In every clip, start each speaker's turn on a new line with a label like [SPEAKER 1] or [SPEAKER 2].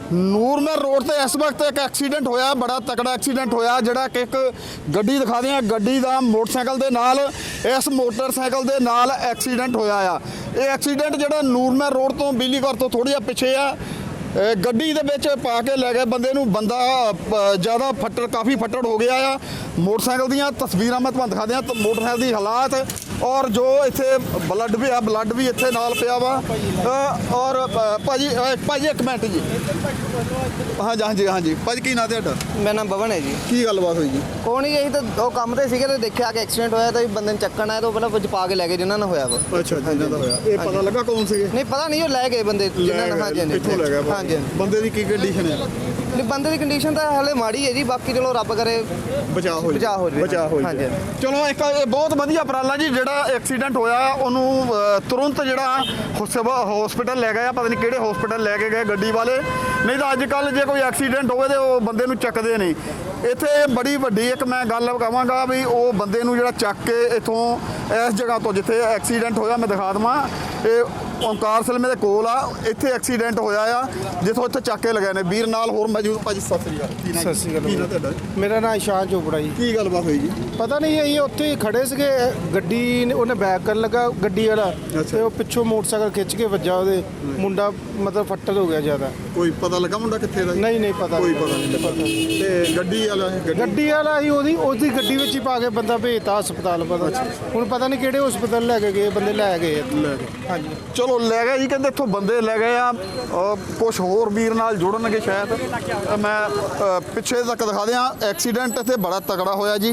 [SPEAKER 1] ਨੂਰਮਹਿਰ road ਤੇ ਇਸ ਵਕਤ ਇੱਕ ਐਕਸੀਡੈਂਟ ਹੋਇਆ, ਬੜਾ ਤਕੜਾ ਐਕਸੀਡੈਂਟ ਹੋਇਆ, ਜਿਹੜਾ ਕਿ ਇੱਕ ਗੱਡੀ ਦਿਖਾਦੇ ਆ, ਗੱਡੀ ਦਾ ਮੋਟਰਸਾਈਕਲ ਦੇ ਨਾਲ, ਇਸ ਮੋਟਰਸਾਈਕਲ ਦੇ ਨਾਲ ਐਕਸੀਡੈਂਟ ਹੋਇਆ ਆ। ਇਹ ਐਕਸੀਡੈਂਟ ਜਿਹੜਾ ਨੂਰਮਹਿਰ रोड ਤੋਂ ਬਿਜਲੀ ਘਰ ਤੋਂ ਥੋੜੀ ਜਿਹਾ ਪਿੱਛੇ ਆ, ਗੱਡੀ ਦੇ ਵਿੱਚ ਪਾ ਕੇ ਲੈ ਗਏ ਬੰਦੇ ਨੂੰ। ਬੰਦਾ ਜ਼ਿਆਦਾ ਫੱਟੜ, ਕਾਫੀ ਫੱਟੜ ਹੋ ਗਿਆ ਆ। ਮੋਟਰਸਾਈਕਲ ਦੀਆਂ ਤਸਵੀਰਾਂ ਮੈਂ ਤੁਹਾਨੂੰ ਦਿਖਾ ਦਿਆਂ, ਮੋਟਰਸਾਈਕਲ ਦੀ ਹਾਲਾਤ, ਔਰ ਜੋ ਇੱਥੇ ਬਲੱਡ ਵੀ ਆ, ਬਲੱਡ ਵੀ ਇੱਥੇ ਨਾਲ ਪਿਆ ਵਾ। ਔਰ ਭਾਜੀ ਇੱਕ ਮਿੰਟ ਜੀ। ਹਾਂਜੀ ਭਾਜੀ, ਕੀ ਨਾਂ ਤੁਹਾਡਾ?
[SPEAKER 2] ਮੇਰਾ ਨਾਮ ਭਵਨ ਹੈ ਜੀ।
[SPEAKER 1] ਕੀ ਗੱਲਬਾਤ ਹੋਈ ਜੀ?
[SPEAKER 2] ਕੋਈ ਨਹੀਂ, ਇਹੀ ਤਾਂ ਉਹ ਕੰਮ ਤੇ ਸੀਗੇ ਤੇ ਦੇਖਿਆ ਕਿ ਐਕਸੀਡੈਂਟ ਹੋਇਆ ਤਾਂ ਬੰਦੇ ਨੂੰ ਚੱਕਣ ਆਇਆ ਤਾਂ ਉਹ ਪਹਿਲਾਂ ਵਿੱਚ ਪਾ ਕੇ ਲੈ ਗਏ ਜਿਨ੍ਹਾਂ ਨਾਲ ਹੋਇਆ ਵਾ।
[SPEAKER 1] ਅੱਛਾ, ਜਿਨ੍ਹਾਂ ਦਾ ਹੋਇਆ। ਇਹ ਪਤਾ ਲੱਗਾ ਕੌਣ ਸੀਗੇ?
[SPEAKER 2] ਨਹੀਂ ਪਤਾ ਨਹੀਂ, ਉਹ ਲੈ ਗਏ ਬੰਦੇ ਜਿਨ੍ਹਾਂ ਨਾਲ। ਹਾਂਜੀ
[SPEAKER 1] ਇੱਥੋਂ ਲੈ ਗਏ
[SPEAKER 2] ਹਾਂਜੀ।
[SPEAKER 1] ਬੰਦੇ ਦੀ ਕੀ ਕੰਡੀਸ਼ਨ ਹੈ?
[SPEAKER 2] ਨਹੀਂ, ਬੰਦੇ ਦੀ ਕੰਡੀਸ਼ਨ ਤਾਂ ਹਾਲੇ ਮਾੜੀ ਹੈ ਜੀ, ਬਾਕੀ ਚਲੋ ਰੱਬ ਕਰੇ
[SPEAKER 1] ਬਚਾਅ ਹੋ
[SPEAKER 2] ਜਾਵੇ। ਹਾਂਜੀ।
[SPEAKER 1] ਚਲੋ ਇੱਕ ਇਹ ਬਹੁਤ ਵਧੀਆ ਉਪਰਾਲਾ ਜੀ, ਜਿਹੜਾ ਐਕਸੀਡੈਂਟ ਹੋਇਆ ਉਹਨੂੰ ਤੁਰੰਤ ਜਿਹੜਾ ਹਸਪੀਟਲ ਲੈ ਗਏ ਆ। ਪਤਾ ਨਹੀਂ ਕਿਹੜੇ ਹਸਪੀਟਲ ਲੈ ਕੇ ਗਏ ਗੱਡੀ ਵਾਲੇ, ਨਹੀਂ ਤਾਂ ਅੱਜ ਕੱਲ੍ਹ ਜੇ ਕੋਈ ਐਕਸੀਡੈਂਟ ਹੋਵੇ ਤੇ ਉਹ ਬੰਦੇ ਨੂੰ ਚੱਕਦੇ ਨਹੀਂ। ਇੱਥੇ ਬੜੀ ਵੱਡੀ ਇੱਕ ਮੈਂ ਗੱਲ ਕਹਾਂਗਾ ਵੀ ਉਹ ਬੰਦੇ ਨੂੰ ਜਿਹੜਾ ਚੱਕ ਕੇ ਇੱਥੋਂ ਇਸ ਜਗ੍ਹਾ ਤੋਂ ਜਿੱਥੇ ਐਕਸੀਡੈਂਟ ਹੋਇਆ, ਮੈਂ ਦਿਖਾ ਦੇਵਾਂ, ਇਹ ਓਂਕਾਰ ਸਿਲਮੇ ਦੇ ਕੋਲ ਆ, ਇੱਥੇ ਐਕਸੀਡੈਂਟ ਹੋਇਆ ਆ, ਜਿੱਥੋਂ ਇੱਥੇ ਚੱਕ ਕੇ ਲਗਾਏ ਨੇ। ਵੀਰ ਨਾਲ ਹੋਰ ਮੌਜੂਦ। ਭਾਜੀ ਸਤਿ ਸ੍ਰੀ ਅਕਾਲ।
[SPEAKER 3] ਸਤਿ ਸ਼੍ਰੀ ਅਕਾਲ।
[SPEAKER 1] ਕੀ ਨਾਂ ਤੁਹਾਡਾ?
[SPEAKER 3] ਮੇਰਾ ਨਾਮ ਇਸ਼ਾਨ ਚੋਪੜਾ ਜੀ।
[SPEAKER 1] ਕੀ ਗੱਲਬਾਤ ਹੋਈ ਜੀ?
[SPEAKER 3] ਪਤਾ ਨਹੀਂ, ਅਸੀਂ ਉੱਥੇ ਖੜੇ ਸੀਗੇ, ਗੱਡੀ ਉਹਨੇ ਬੈਕ ਕਰਨ ਲੱਗਾ ਗੱਡੀ ਵਾਲਾ, ਤੇ ਉਹ ਪਿੱਛੋਂ ਮੋਟਰਸਾਈਕਲ ਖਿੱਚ ਕੇ ਵੱਜਾ, ਉਹਦੇ ਮੁੰਡਾ ਮਤਲਬ ਫੱਟੜ ਹੋ ਗਿਆ ਜ਼ਿਆਦਾ।
[SPEAKER 1] ਕੋਈ ਪਤਾ ਲੱਗਾ ਮੁੰਡਾ ਕਿੱਥੇ ਦਾ?
[SPEAKER 3] ਨਹੀਂ ਪਤਾ।
[SPEAKER 1] ਕੋਈ ਪਤਾ ਨਹੀਂ। ਤੇ ਗੱਡੀ ਵਾਲਾ
[SPEAKER 3] ਹੀ ਉਹਦੀ ਗੱਡੀ ਵਿੱਚ ਹੀ ਪਾ ਕੇ ਬੰਦਾ ਭੇਜਤਾ ਹਸਪਤਾਲ। ਪਤਾ ਹੁਣ ਪਤਾ ਨਹੀਂ ਕਿਹੜੇ ਹਸਪਤਾਲ ਲੈ ਕੇ ਗਏ, ਬੰਦੇ ਲੈ ਗਏ। ਹਾਂਜੀ,
[SPEAKER 1] ਚਲੋ ਲੈ ਗਏ ਜੀ, ਕਹਿੰਦੇ ਇੱਥੋਂ ਬੰਦੇ ਲੈ ਗਏ ਆ। ਕੁਝ ਹੋਰ ਵੀਰ ਨਾਲ ਜੁੜਨਗੇ ਸ਼ਾਇਦ। ਮੈਂ ਪਿੱਛੇ ਤੱਕ ਦਿਖਾ ਦਿਆਂ। ਐਕਸੀਡੈਂਟ ਇੱਥੇ ਬੜਾ ਤਕੜਾ ਹੋਇਆ ਜੀ।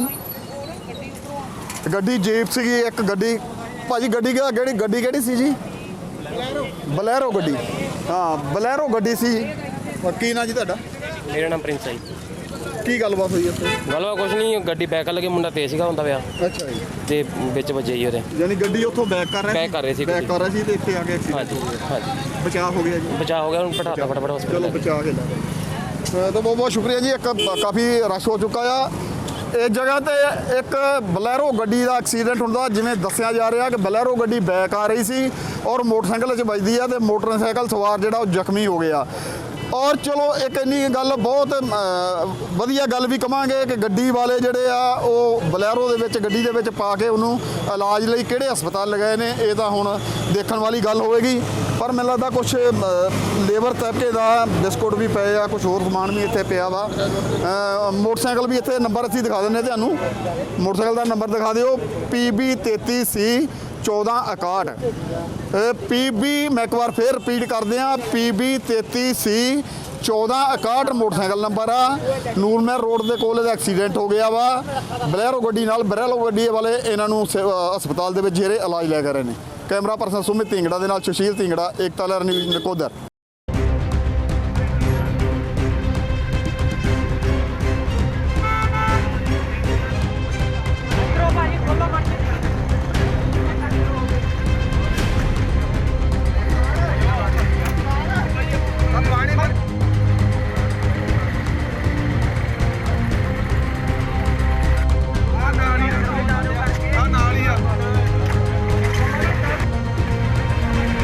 [SPEAKER 1] ਗੱਡੀ ਜੀਪ ਸੀਗੀ, ਇੱਕ ਗੱਡੀ। ਭਾਜੀ ਗੱਡੀ ਕਿਹੜੀ ਸੀ ਜੀ? ਬਲੈਰੋ ਗੱਡੀ। ਹਾਂ, ਬਲੈਰੋ ਗੱਡੀ ਸੀ। ਕੀ ਨਾਂ ਜੀ ਤੁਹਾਡਾ?
[SPEAKER 4] ਮੇਰਾ ਨਾਮ ਪ੍ਰਿੰਸ ਹੈ ਜੀ।
[SPEAKER 1] ਕੀ ਗੱਲਬਾਤ ਹੋਈ ਇੱਥੇ?
[SPEAKER 4] ਗੱਲਬਾਤ ਕੁਛ ਨਹੀਂ, ਗੱਡੀ ਬੈਕ ਕਰ ਲੱਗੇ, ਮੁੰਡਾ ਤੇਜ਼ ਸੀਗਾ ਹੁੰਦਾ ਪਿਆ
[SPEAKER 1] ਅੱਛਾ ਜੀ।
[SPEAKER 4] ਤੇ ਵਿੱਚ ਵੱਜੇ ਜੀ ਉਹਦੇ।
[SPEAKER 1] ਯਾਨੀ ਗੱਡੀ ਉੱਥੋਂ ਬੈਕ ਕਰ ਰਹੇ ਸੀ ਤੇ ਇੱਥੇ ਆ ਕੇ
[SPEAKER 4] ਹਾਂਜੀ।
[SPEAKER 1] ਬਚਾਅ ਹੋ ਗਿਆ ਜੀ।
[SPEAKER 4] ਬਚਾਅ ਹੋ ਗਿਆ, ਹੁਣ ਪਟਾਤਾ ਫਟਾਫਟ
[SPEAKER 1] ਚਲੋ
[SPEAKER 4] ਹਸਪਤਾਲ।
[SPEAKER 1] ਬਚਾ ਕੇ ਤਾਂ ਬਹੁਤ ਸ਼ੁਕਰੀਆ ਜੀ। ਇੱਕ ਕਾਫੀ ਰਸ਼ ਹੋ ਚੁੱਕਾ ਆ ਇਸ ਜਗ੍ਹਾ ਤੇ। ਇੱਕ ਬਲੈਰੋ ਗੱਡੀ ਦਾ ਐਕਸੀਡੈਂਟ ਹੁੰਦਾ, ਜਿਵੇਂ ਦੱਸਿਆ ਜਾ ਰਿਹਾ ਕਿ ਬਲੈਰੋ ਗੱਡੀ ਬੈਕ ਆ ਰਹੀ ਸੀ ਔਰ ਮੋਟਰਸਾਈਕਲ 'ਚ ਵੱਜਦੀ ਆ ਤੇ ਮੋਟਰਸਾਈਕਲ ਸਵਾਰ ਜਿਹੜਾ ਉਹ ਜ਼ਖਮੀ ਹੋ ਗਿਆ। ਔਰ ਚਲੋ ਇੱਕ ਇੰਨੀ ਗੱਲ ਬਹੁਤ ਵਧੀਆ ਗੱਲ ਵੀ ਕਵਾਂਗੇ ਕਿ ਗੱਡੀ ਵਾਲੇ ਜਿਹੜੇ ਆ ਉਹ ਬਲੈਰੋ ਦੇ ਵਿੱਚ, ਗੱਡੀ ਦੇ ਵਿੱਚ ਪਾ ਕੇ ਉਹਨੂੰ ਇਲਾਜ ਲਈ ਕਿਹੜੇ ਹਸਪਤਾਲ ਲਗਾਏ ਨੇ, ਇਹ ਤਾਂ ਹੁਣ ਦੇਖਣ ਵਾਲੀ ਗੱਲ ਹੋਵੇਗੀ। ਪਰ ਮੈਨੂੰ ਲੱਗਦਾ ਕੁਝ ਲੇਬਰ ਤਬਕੇ ਦਾ ਬਿਸਕੁਟ ਵੀ ਪਏ ਆ, ਕੁਝ ਹੋਰ ਸਮਾਨ ਵੀ ਇੱਥੇ ਪਿਆ ਵਾ। ਮੋਟਰਸਾਈਕਲ ਵੀ ਇੱਥੇ ਨੰਬਰ ਅਸੀਂ ਦਿਖਾ ਦਿੰਦੇ ਤੁਹਾਨੂੰ। ਮੋਟਰਸਾਈਕਲ ਦਾ ਨੰਬਰ ਦਿਖਾ ਦਿਓ, PB33C 1461। PB ਮੈਂ ਇੱਕ ਵਾਰ ਫੇਰ ਰਿਪੀਟ ਕਰਦੇ ਹਾਂ, PB33C 1461 ਮੋਟਰਸਾਈਕਲ ਨੰਬਰ ਆ। ਨੂਰਮਹਿਰ ਰੋਡ ਦੇ ਕੋਲ ਇਹਦਾ ਐਕਸੀਡੈਂਟ ਹੋ ਗਿਆ ਵਾ ਬਲੈਰੋ ਗੱਡੀ ਨਾਲ। ਬਲੈਰੋ ਗੱਡੀ ਵਾਲੇ ਇਹਨਾਂ ਨੂੰ ਹਸਪਤਾਲ ਦੇ ਵਿੱਚ ਜਿਹੜੇ ਇਲਾਜ ਲੈ ਕਰ ਰਹੇ ਨੇ। ਕੈਮਰਾ ਪਰਸਨ ਸੁਮਿਤ ਢਿੰਗੜਾ ਦੇ ਨਾਲ ਸੁਸ਼ੀਲ ਢਿੰਗੜਾ, ਏਕਤਾ ਲਹਿਰ ਨਿਊਜ਼ ਨਕੋਦਰ।